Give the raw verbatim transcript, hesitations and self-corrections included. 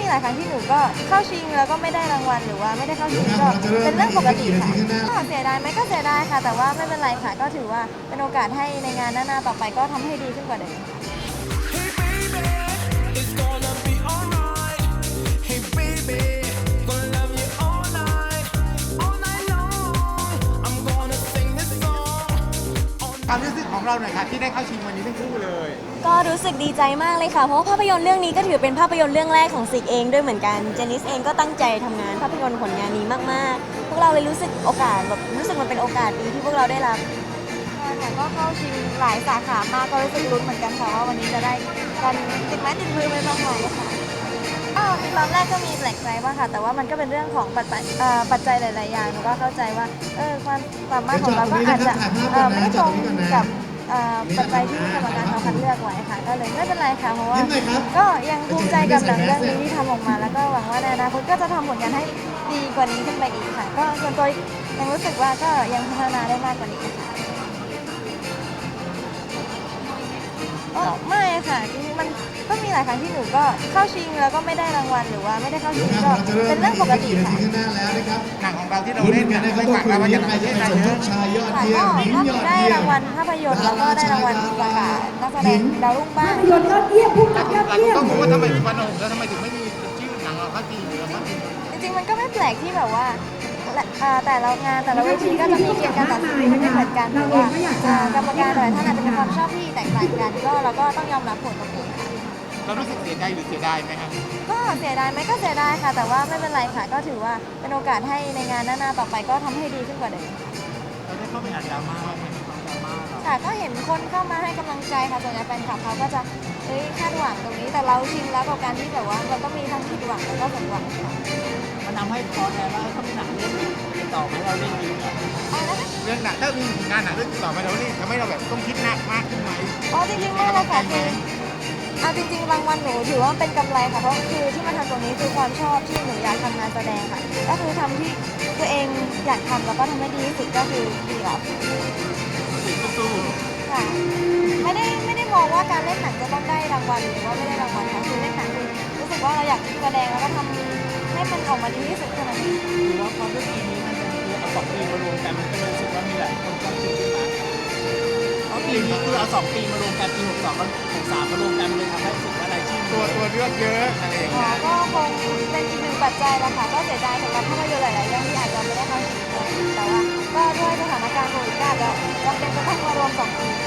หลายครั้งที่หนูก็เข้าชิงแล้วก็ไม่ได้รางวัลหรือว่าไม่ได้เข้าชิงก็เป็นเรื่องปกติค่ะก็เสียดายไหมก็เสียดายค่ะแต่ว่าไม่เป็นไรค่ะก็ถือว่าเป็นโอกาสให้ในงานหน้าๆต่อไปก็ทำให้ดีขึ้นกว่าเดิมความรู้สึกของเราหน่อยค่ะที่ได้เข้าชิงวันนี้ทั้งคู่เลยก็รู้สึกดีใจมากเลยค่ะเพราะว่าภาพยนตร์เรื่องนี้ก็ถือเป็นภาพยนตร์เรื่องแรกของซิกเองด้วยเหมือนกันเจนิสเองก็ตั้งใจทำงานภาพยนตร์ผลงานนี้มากๆพวกเราเลยรู้สึกโอกาสแบบรู้สึกมันเป็นโอกาสดีที่พวกเราได้รับแต่ก็เข้าชิงหลายสาขามากก็รู้สึกลุ้นเหมือนกันค่ะว่าวันนี้จะได้กันติดไม้ติดมือไปบ้างไหมค่ะก็ตอนแรกก็มีแปลกใจบ้างค่ะแต่ว่ามันก็เป็นเรื่องของปัจจัยปัจจัยหลายๆอย่างหนูก็เข้าใจว่าเออความสามารถของเราก็อาจจะไม่ตรงกับปัจจัยที่กรรมการเขาคัดเลือกไว้ค่ะก็เลยไม่เป็นไรค่ะเพราะว่าก็ยังภูมิใจกับหนังเรื่องนี้ที่ทำออกมาแล้วก็หวังว่าในอนาคตก็จะทำผลงานให้ดีกว่านี้ขึ้นไปอีกค่ะก็ส่วนตัวยังรู้สึกว่าก็ยังพัฒนาได้มากกว่านี้ค่ะอ๋อไม่ค่ะจริงๆมันก็มีหลายครั้งที่หนูก็เข้าชิงแล้วก็ไม่ได้รางวัลหรือว่าไม่ได้เข้าชิงก็เป็นเรื่องปกติค่ะหนังของเราที่เราเล่นเนี่ยไม่หวังว่ามันจะทำให้ได้เยอะค่ะก็ก็ได้รางวัลภาพยนตร์แล้วก็ได้รางวัลประกาศนักแสดงดาวรุ่งบ้างภาพยนตร์ยอดเยี่ยมผู้กำกับยอดเยี่ยมต้องรู้ว่าทำไมถึงวันโหแล้วทำไมถึงไม่มีชื่อหนังเราเข้าชิงหรือเข้าชิงจริงๆมันก็ไม่แปลกที่แบบว่าแต่ละงานแต่ละเวทีก็จะมีเกณฑ์การตัดสินที่ไม่เหมือนกันหรือว่ากรรมการแต่ละท่านอาจจะมีความชอบที่แตกต่างกันก็เราก็ต้องยอมรับผลตรงนี้ค่ะเรารู้สึกเสียใจหรือเสียดายไหมครับก็เสียดายไหมก็เสียดายค่ะแต่ว่าไม่เป็นไรค่ะก็ถือว่าเป็นโอกาสให้ในงานหน้าๆต่อไปก็ทำให้ดีขึ้นกว่าเดิมเราได้เข้าไปอ่านดราม่าไหมดราม่าค่ะก็เห็นคนเข้ามาให้กำลังใจค่ะส่วนใหญ่แฟนคลับเขาก็จะเอ้ยคาดหวังตรงนี้แต่เราชินแล้วกับการที่แบบว่าเราก็มีทั้งผิดหวังแล้วก็สมหวังค่ะมันทำให้พอแทนว่าถ้ามีหนังเรื่องต่อมาเราเล่นดีเนี่ยเรื่องหนังถ้ามีงานหนังเรื่องต่อมาเราเล่นทำให้เราแบบต้องคิดหนักมากขึ้นไหมอ๋อจริงๆไม่เลยค่ะคือเอาจริงๆรางวัลหนูถือว่าเป็นกำไรค่ะเพราะคือที่มาทำตรงนี้คือความชอบที่หนูอยากทำงานแสดงค่ะก็คือทำที่ตัวเองอยากทำแล้วก็ทำให้ดีที่สุดก็คือดีออฟสู้ค่ะไม่ได้ไม่ได้มองว่าการเล่นหนังจะต้องได้รางวัลหรือว่าไม่ได้รางวัลค่ะคือเล่นหนังคือรู้สึกว่าเราอยากแสดงแล้วก็ทำให้มันออกมาดีที่สุดเท่านั้นเองหรือว่าเพราะด้วยปีนี้มันเป็นคือเอาสองปีมารวมกันมันก็เลยรู้สึกว่ามีหลายคนก็ชิงขึ้นมาเพราะปีนี้คือเอาสองปีมารวมกันปีหกสองกับหกสามมารวมกันเลยทำให้รู้สึกว่ารายชื่อตัวตัวเลือกเยอะอะไรอย่างเงี้ยก็คงเป็นอีกหนึ่งปัจจัยแหละค่ะก็เสียดายสำหรับภาพยนตร์หลายๆเรื่องที่อาจจะไม่ได้เข้าชิงแต่ว่าก็ด้วยสถานการณ์โควิดก็อาจจะจำเป็นจะต้องมารวมสองปี